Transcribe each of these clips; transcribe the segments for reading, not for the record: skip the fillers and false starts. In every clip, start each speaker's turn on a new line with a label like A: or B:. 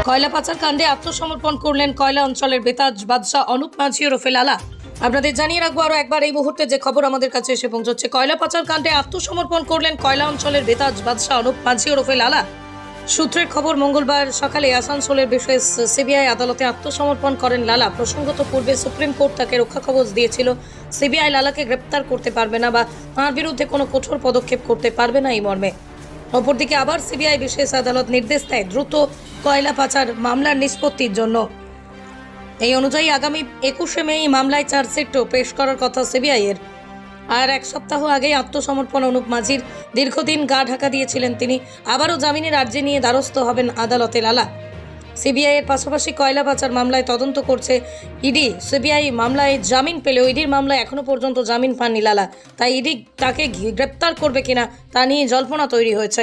A: কয়লা পাচার কাণ্ডে আত্মসমর্পণ করলেন কয়লা অঞ্চলের বেতাজ বাদশাহ অনুপ মাঝি ওরফে লালা। আপনাদের জানিয়ে রাখবো আরো একবার এই মুহূর্তে যে খবর আমাদের কাছে এসে পৌঁছচ্ছে, কয়লা পাচার কাণ্ডে আত্মসমর্পণ করলেন কয়লা অঞ্চলের বেতাজ বাদশাহ অনুপ মাঝি ওরফে লালা। সূত্রের খবর, মঙ্গলবার সকালে আসানসোলের বিশেষ সিবিআই আদালতে আত্মসমর্পণ করেন লালা। প্রসঙ্গত পূর্বে সুপ্রিম কোর্ট তাকে রক্ষা কবচ দিয়েছিল। সিবিআই লালাকে গ্রেপ্তার করতে পারবে না বা তাঁর বিরুদ্ধে কোনো কঠোর পদক্ষেপ করতে পারবে না এই মর্মে। অপরদিকে আবার সিবিআই বিশেষ আদালত নির্দেশ দেয় দ্রুত কয়লা পাচার মামলার নিষ্পত্তির জন্য। এই অনুযায়ী আগামী 21শে মে এই মামলায় চার্জশিটও পেশ করার কথা সিবিআই এর। আর এক সপ্তাহ আগেই আত্মসমর্পণ অনুপ মাঝির। দীর্ঘদিন গা ঢাকা দিয়েছিলেন তিনি। আবারও জামিনের আর্জি নিয়ে দ্বারস্থ হবেন আদালতে লালা। সিবিআই এর পাশাপাশি কয়লা পাচার মামলায় তদন্ত করছে ইডি। সিবিআই মামলায় জামিন পেলেও ইডির মামলায় এখনো পর্যন্ত জামিন পাননি লালা। তাই ইডি তাকে গ্রেপ্তার করবে কিনা তা নিয়ে জল্পনা তৈরি হয়েছে।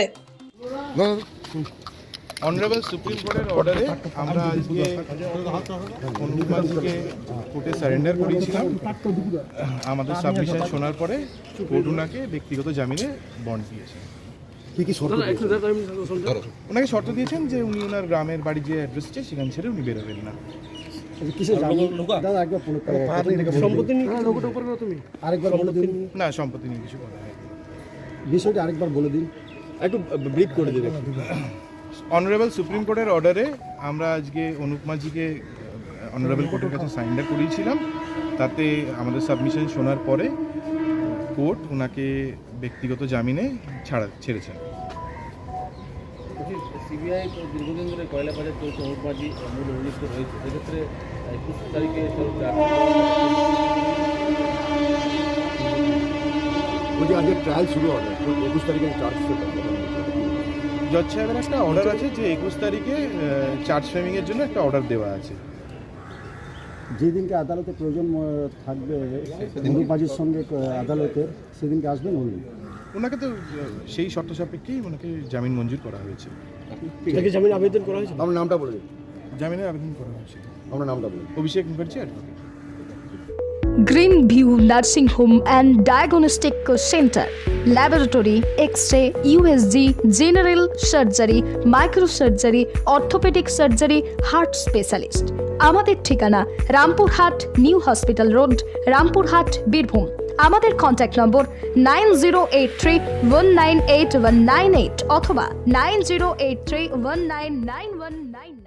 B: অনারেবল সুপ্রিম কোর্টের অর্ডারে আমরা আজকে অনুপ মাঝিকে কোর্টে সারেন্ডার করিয়েছিলাম। আমাদের সাবমিশন শোনার পরে কোর্ট ওনাকে ব্যক্তিগত জামিনে বন্ড দিয়েছে। ওনাকে শর্ত দিয়েছেন যে উনি ওনার গ্রামের বাড়ি যে অ্যাড্রেসটা সেখান ছেড়ে উনি বেরোবেন না। না, সম্পত্তি নিয়ে কিছু কথা
C: বিষয়টা আরেকবার বলে দিন, একটু ব্রিফ করে দিন।
B: অনারেবল সুপ্রিম কোর্টের অর্ডারে আমরা আজকে অনুপ মাঝিকে অনারেবল কোর্টের কাছে সারেন্ডার করিয়েছিলাম। তাতে আমাদের সাবমিশন শোনার পরে কোর্ট ওনাকে ব্যক্তিগত জামিনে ছেড়েছেন।
D: সিবিআই দীর্ঘদিন ধরে কয়লা পাচার চলছে, অনুপ মাঝি মূল অভিযুক্ত রয়েছে। সেক্ষেত্রে 21 তারিখে
C: আজকে ট্রায়াল শুরু হবে, 21 তারিখে চার্জ
B: জজ সাহেবের একটা অর্ডার আছে যে 21 তারিখে চার্জ ফ্রেমিংয়ের জন্য একটা অর্ডার দেওয়া আছে।
C: যেদিনকে আদালতে প্রয়োজন থাকবে অনুপ মাঝির সঙ্গে আদালতের, সেদিনকে আসবেন উনি।
B: ওনাকে তো সেই শর্ত সাপেক্ষেই ওনাকে জামিন মঞ্জুর করা হয়েছে।
C: জামিন আবেদন করা হয়েছে? আপনার নামটা বলে দিন।
B: জামিনের আবেদন করা হয়েছে।
C: আপনার নামটা বলুন।
B: Abhishek Mukherjee advocate.
E: Green view nursing home and diagnostic centre, laboratory, X-ray, USG, general surgery, microsurgery, orthopaedic surgery, heart specialist. আমাদের ঠিকানা Rampurhat new hospital road, Rampurhat, Birbhum. আমাদের কন্ট্যাক্ট নম্বর 9083198198 অথবা 9083199199।